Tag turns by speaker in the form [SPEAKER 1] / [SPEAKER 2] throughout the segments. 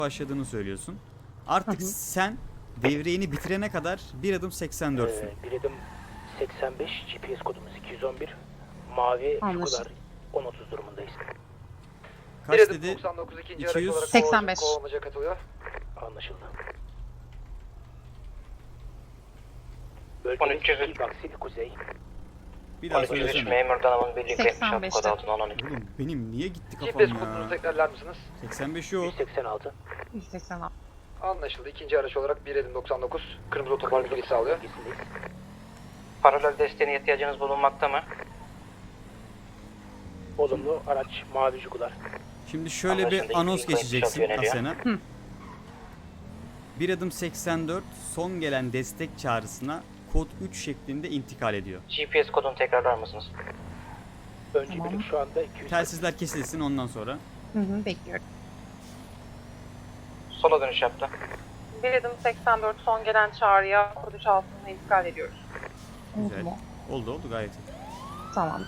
[SPEAKER 1] başladığını söylüyorsun. Artık sen devreyini bitirene kadar 1 adım 84'sün.
[SPEAKER 2] 1 adım 85, GPS kodumuz 211. Mavi Jugular 10.30 durumundayız.
[SPEAKER 1] Kaç dedi?
[SPEAKER 3] 99 ikinci
[SPEAKER 1] 200.
[SPEAKER 3] araç olarak
[SPEAKER 4] 85.
[SPEAKER 3] kovalamaca katılıyor.
[SPEAKER 2] Anlaşıldı. Bölge 2 Baksil Kuzey.
[SPEAKER 1] Bir daha söylesene.
[SPEAKER 5] Memur Danam'ın birlikte
[SPEAKER 4] 85'te.
[SPEAKER 5] kod altına 12.
[SPEAKER 1] Oğlum benim niye gitti
[SPEAKER 3] GPS
[SPEAKER 1] kafam
[SPEAKER 3] kodunu
[SPEAKER 1] ya?
[SPEAKER 3] tekrarlar mısınız?
[SPEAKER 1] 85 yok.
[SPEAKER 2] 186.
[SPEAKER 4] 186.
[SPEAKER 3] Anlaşıldı. İkinci araç olarak 1 adım 99. Kırmızı otopark bilgi sağlıyor.
[SPEAKER 2] Bölgesindeyiz.
[SPEAKER 5] Paralel desteğine ihtiyacınız bulunmakta mı?
[SPEAKER 2] Olumlu araç Mavi Jugular.
[SPEAKER 1] Şimdi şöyle
[SPEAKER 5] Anlaşıldı,
[SPEAKER 1] bir anons
[SPEAKER 5] ilk ilk
[SPEAKER 1] geçeceksin
[SPEAKER 5] yöneliyor.
[SPEAKER 1] Asena. 1 adım 84 son gelen destek çağrısına kod 3 şeklinde intikal ediyor.
[SPEAKER 5] GPS kodunu tekrarlar mısınız?
[SPEAKER 2] Önce
[SPEAKER 4] Tamam.
[SPEAKER 2] birlik şu anda 200.
[SPEAKER 1] Telsizler kesilsin ondan sonra.
[SPEAKER 4] Bekliyorum.
[SPEAKER 5] Sola dönüş yaptı.
[SPEAKER 6] 1 adım 84 son gelen çağrıya kod 3 altına intikal ediyoruz.
[SPEAKER 1] Güzel.
[SPEAKER 4] Oldu.
[SPEAKER 1] Oldu gayet iyi.
[SPEAKER 4] Tamam.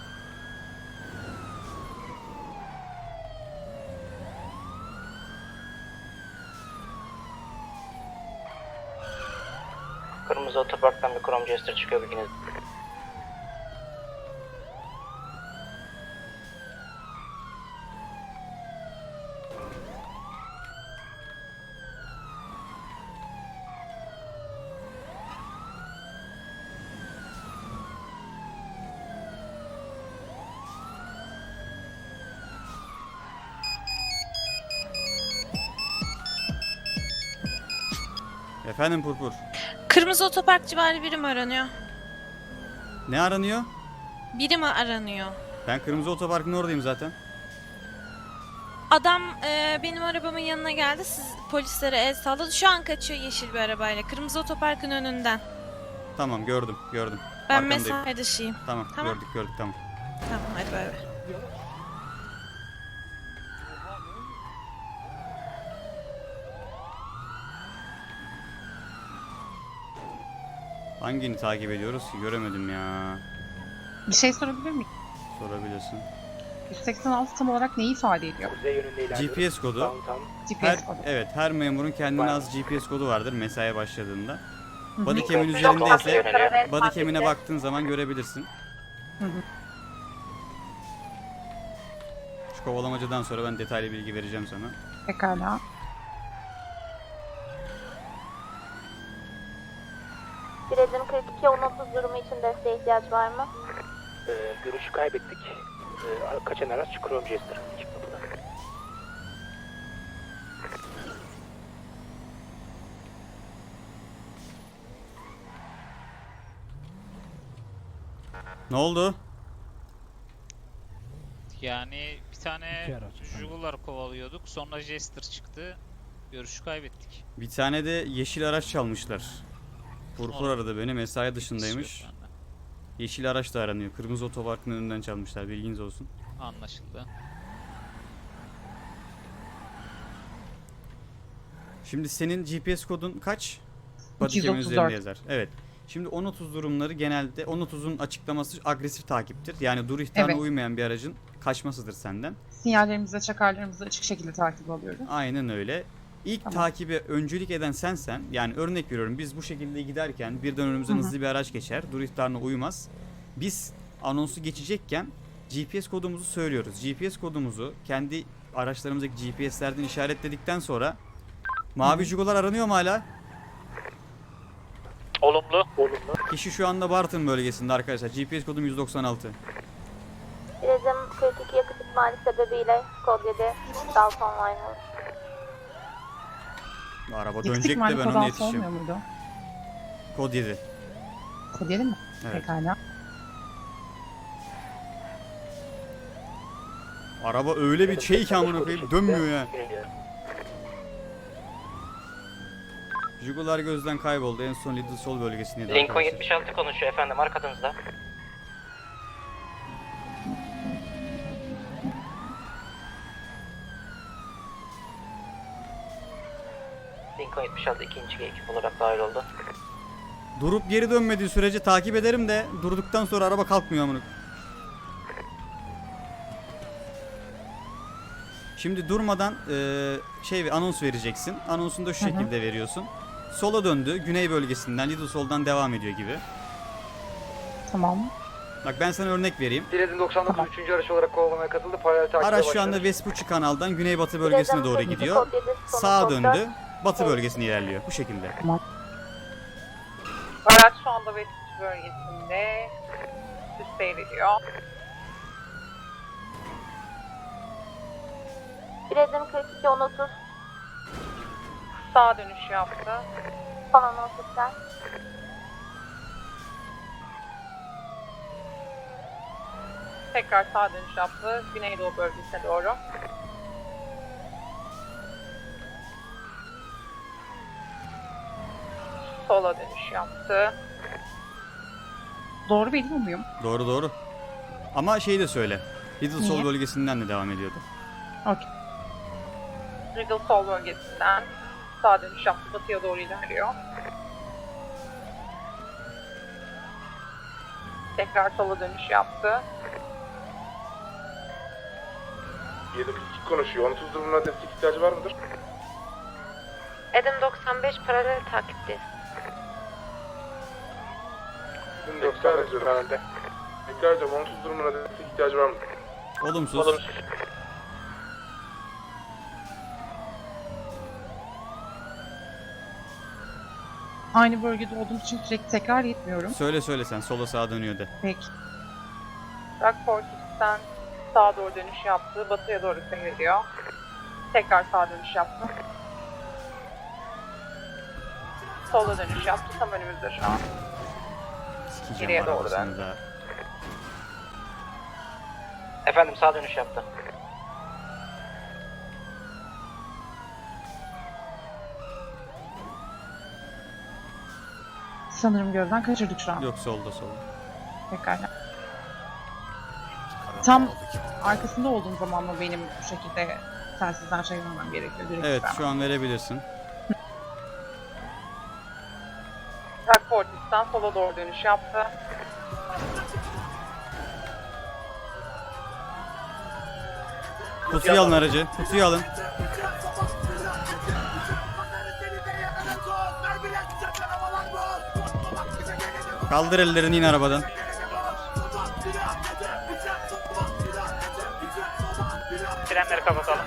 [SPEAKER 5] Kırmızı otoparktan bir Chrome Jester çıkıyor bilginiz.
[SPEAKER 1] Efendim Purpur.
[SPEAKER 7] Kırmızı otopark civarı biri mi aranıyor?
[SPEAKER 1] Ne aranıyor?
[SPEAKER 7] Biri mi aranıyor?
[SPEAKER 1] Ben Kırmızı Otopark'ın oradayım zaten.
[SPEAKER 7] Adam benim arabamın yanına geldi. Siz polislere el salladı. Şu an kaçıyor yeşil bir arabayla. Kırmızı otoparkın önünden.
[SPEAKER 1] Tamam gördüm.
[SPEAKER 7] Ben
[SPEAKER 1] Arkandayım.
[SPEAKER 7] mesai dışıyım.
[SPEAKER 1] Tamam,
[SPEAKER 7] Tamam.
[SPEAKER 1] gördük tamam.
[SPEAKER 7] Tamam hadi bay bay.
[SPEAKER 1] Hangini takip ediyoruz ki göremedim ya.
[SPEAKER 4] Bir şey sorabilir miyim?
[SPEAKER 1] Sorabilirsin.
[SPEAKER 4] 186 tam olarak neyi ifade ediyor?
[SPEAKER 2] Kuzey yönünde ilerliyoruz.
[SPEAKER 1] GPS kodu.
[SPEAKER 2] Downtown.
[SPEAKER 4] GPS kodu.
[SPEAKER 1] Evet her memurun kendine az GPS kodu vardır mesaiye başladığında. Bodycam'in
[SPEAKER 5] Hı hı.
[SPEAKER 1] üzerindeyse
[SPEAKER 5] Yöneliyor.
[SPEAKER 1] bodycam'ine baktığın zaman görebilirsin.
[SPEAKER 4] Hı hı.
[SPEAKER 1] Şu kovalamacadan sonra ben detaylı bilgi vereceğim sana.
[SPEAKER 4] Pekala.
[SPEAKER 8] Bir adım 42 10.30 durumu için desteğe ihtiyaç var mı?
[SPEAKER 2] Görüşü kaybettik. Kaçan araç Chrome Jester. Ekip kapıda.
[SPEAKER 1] Ne oldu?
[SPEAKER 9] Yani bir tane Jugular kovalıyorduk. Sonra Jester çıktı. Görüşü kaybettik.
[SPEAKER 1] Bir tane de yeşil araç çalmışlar. Purpur aradı beni mesai dışındaymış.
[SPEAKER 9] Yok bende.
[SPEAKER 1] Yeşil araç da aranıyor. Kırmızı otoparkın önünden çalmışlar bilginiz olsun.
[SPEAKER 9] Anlaşıldı.
[SPEAKER 1] Şimdi senin GPS kodun kaç? Bodycam'in
[SPEAKER 4] 234.
[SPEAKER 1] üzerinde yazar. Evet. Şimdi 10.30 durumları genelde 10.30'un açıklaması agresif takiptir. Yani dur ihtarına
[SPEAKER 4] Evet.
[SPEAKER 1] uymayan bir aracın kaçmasıdır senden.
[SPEAKER 4] Sinyallerimizi, çakarlarımızı açık şekilde takip alıyoruz.
[SPEAKER 1] Aynen öyle. İlk
[SPEAKER 4] Tamam.
[SPEAKER 1] takibe öncülük eden sensen, yani örnek veriyorum biz bu şekilde giderken birden önümüzden
[SPEAKER 4] Hı hı.
[SPEAKER 1] hızlı bir araç geçer, dur ihtarına uymaz. Biz anonsu geçecekken GPS kodumuzu söylüyoruz. GPS kodumuzu kendi araçlarımızdaki GPS'lerden işaretledikten sonra mavi Jugular aranıyor mu hala?
[SPEAKER 5] Olumlu.
[SPEAKER 2] Olumlu.
[SPEAKER 1] Kişi şu anda Bartın bölgesinde arkadaşlar. GPS kodum 196.
[SPEAKER 8] Bir adım 42 yakıt ikmali sebebiyle kod 7 Dalton Line.
[SPEAKER 1] Bu araba
[SPEAKER 4] Yakıt
[SPEAKER 1] dönecek de
[SPEAKER 4] ikmali
[SPEAKER 1] ben
[SPEAKER 4] kod
[SPEAKER 1] ona
[SPEAKER 4] altı
[SPEAKER 1] yetişeceğim.
[SPEAKER 4] olmuyor muydu?
[SPEAKER 1] Kod 7.
[SPEAKER 4] Kod 7 mi?
[SPEAKER 1] Evet.
[SPEAKER 4] Pekala.
[SPEAKER 1] Araba öyle bir şey ki amına koyayım dönmüyor ya.
[SPEAKER 2] Yöneliyorum.
[SPEAKER 1] Jugular gözden kayboldu. En son Little Sol bölgesindeydi
[SPEAKER 5] Lincoln
[SPEAKER 1] arkadaşlar.
[SPEAKER 5] 76 konuşuyor efendim arkanızda. Lincoln 76 ikinci ekip olarak dahil oldu.
[SPEAKER 1] Durup geri dönmediği sürece takip ederim de durduktan sonra araba kalkmıyor amına. Şimdi durmadan anons vereceksin. Anonsunu da şu şekilde veriyorsun. Sola döndü. Güney bölgesinden Little Sol'dan devam ediyor gibi.
[SPEAKER 4] Tamam.
[SPEAKER 1] Bak ben sana örnek vereyim.
[SPEAKER 3] 1.99 3. araç olarak kovalamaya katıldı. Paralel takibe
[SPEAKER 1] Araç şu
[SPEAKER 3] başladı.
[SPEAKER 1] anda Vespucci kanaldan güneybatı bölgesine doğru gidiyor. Sağa döndü. Batı bölgesine ilerliyor. Bu şekilde.
[SPEAKER 6] Araç şu anda Vespucci bölgesinde düz seyrediyor.
[SPEAKER 8] Biledim 42 1030
[SPEAKER 6] Sağ dönüş yaptı.
[SPEAKER 8] son anons iptal.
[SPEAKER 6] Tekrar sağ dönüş yaptı. Güneydoğu bölgesine doğru. Sola dönüş yaptı.
[SPEAKER 4] Doğru biliyor muyum?
[SPEAKER 1] Doğru doğru. Ama şeyi de söyle. Little Sol
[SPEAKER 4] Niye?
[SPEAKER 1] bölgesinden de devam ediyordu.
[SPEAKER 4] Okey.
[SPEAKER 6] Riddle Sol bölgesinden sağ dönüş yaptı. Batıya doğru ilerliyor. Tekrar sola dönüş yaptı.
[SPEAKER 10] 742 konuşuyor. 30 durumuna destek ihtiyacı var mıdır?
[SPEAKER 8] Edim 95 paralel takipteyiz.
[SPEAKER 10] 90 ediyorum herhalde. Tekrar ediyorum. 30 durumuna destek ihtiyacı var mıdır?
[SPEAKER 1] Olumsuz.
[SPEAKER 4] Aynı bölgede olduğum için sürekli tekrar etmiyorum.
[SPEAKER 1] Söyle sen. Sola sağa dönüyor de.
[SPEAKER 4] Peki.
[SPEAKER 6] Rockport'tan sağa doğru dönüş yaptı. Batıya doğru seyrediyor. Tekrar sağa dönüş yaptı. Sola dönüş yaptı. Tam önümüzde şu an.
[SPEAKER 1] Sikeceğim
[SPEAKER 6] Geriye doğru
[SPEAKER 1] arabasını da.
[SPEAKER 5] Efendim sağ dönüş yaptı.
[SPEAKER 4] Sanırım gözden kaçırdık şu an.
[SPEAKER 1] Yok solda.
[SPEAKER 4] Pekala. Tam arkasında olduğum zaman mı benim bu şekilde telsizden şey vermem gerekiyor? Direkt
[SPEAKER 1] Evet
[SPEAKER 4] vermem.
[SPEAKER 1] şu an verebilirsin.
[SPEAKER 6] Rockport'tan sola doğru dönüş yaptı.
[SPEAKER 1] Kutuyu alın aracı. Kutuyu alın. Kaldır ellerini in arabadan.
[SPEAKER 9] Frenleri kapatalım.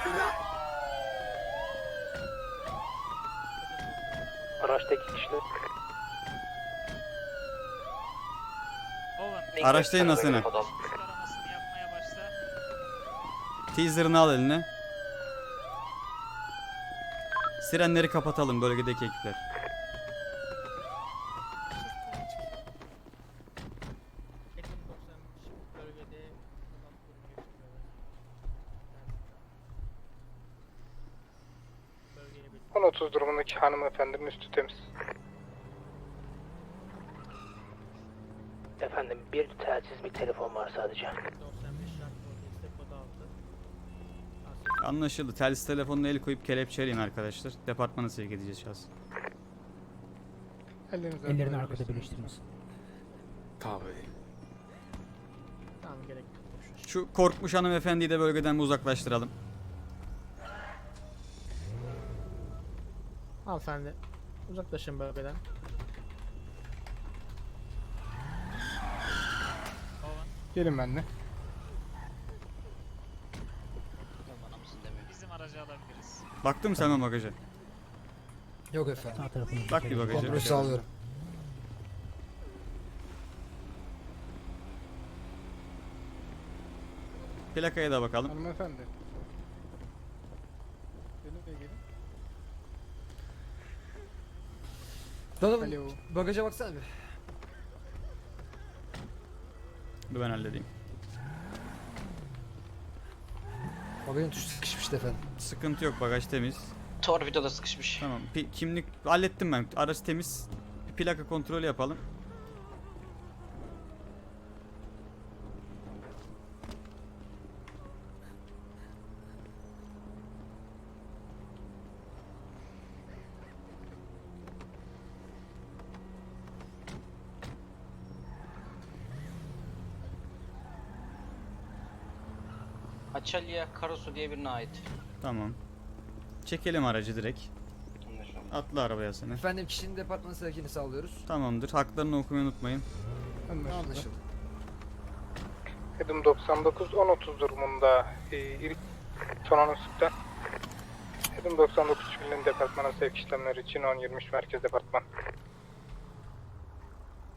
[SPEAKER 2] Araçta 2 kişi.
[SPEAKER 9] Owen,
[SPEAKER 1] Araçtayım nasıl?
[SPEAKER 9] aramasını yapmaya başla.
[SPEAKER 1] Teaser'ını al eline. Sirenleri kapatalım bölgedeki ekipler.
[SPEAKER 3] Son 30 durumundaki hanımefendinin üstü temiz.
[SPEAKER 2] Efendim bir telsiz bir telefon var sadece.
[SPEAKER 1] Anlaşıldı. Telsiz telefonuna el koyup kelepçeleyin arkadaşlar. Departmana sevk edeceğiz şahsı.
[SPEAKER 2] Ellerini arkada birleştirmesin.
[SPEAKER 1] Şu korkmuş hanımefendiyi de bölgeden bir uzaklaştıralım.
[SPEAKER 11] Hanımefendi uzaklaşın bölgeden.
[SPEAKER 3] Gelin benimle.
[SPEAKER 9] Bizim aracı alabiliriz.
[SPEAKER 1] Baktın mı sen bagaja?
[SPEAKER 3] Yok efendim.
[SPEAKER 1] Bak bir bagaja.
[SPEAKER 3] Kontrolü sağlıyorum.
[SPEAKER 1] Plakaya da bakalım.
[SPEAKER 3] Hanımefendi. Gelin.
[SPEAKER 11] Donovan bagaja baksana bir.
[SPEAKER 1] Dur ben halledeyim.
[SPEAKER 11] Bagajın tuşu sıkışmıştı efendim.
[SPEAKER 1] Sıkıntı yok, bagaj temiz.
[SPEAKER 5] Torpidoda sıkışmış.
[SPEAKER 1] Tamam. Kimlik hallettim ben. Araç temiz. Bir plaka kontrolü yapalım.
[SPEAKER 5] Açalya Karasu diye birine ait.
[SPEAKER 1] Tamam. Çekelim aracı direkt. Atla arabaya seni.
[SPEAKER 11] Efendim kişinin departmanı sevkini sağlıyoruz.
[SPEAKER 1] Tamamdır. Haklarını okumayı unutmayın.
[SPEAKER 11] Anlaşıldı.
[SPEAKER 10] Edim 99 10.30 durumunda son anonsukta. Edim 99 Çivili'nin departmana sevk işlemleri için 10.23 merkez departman.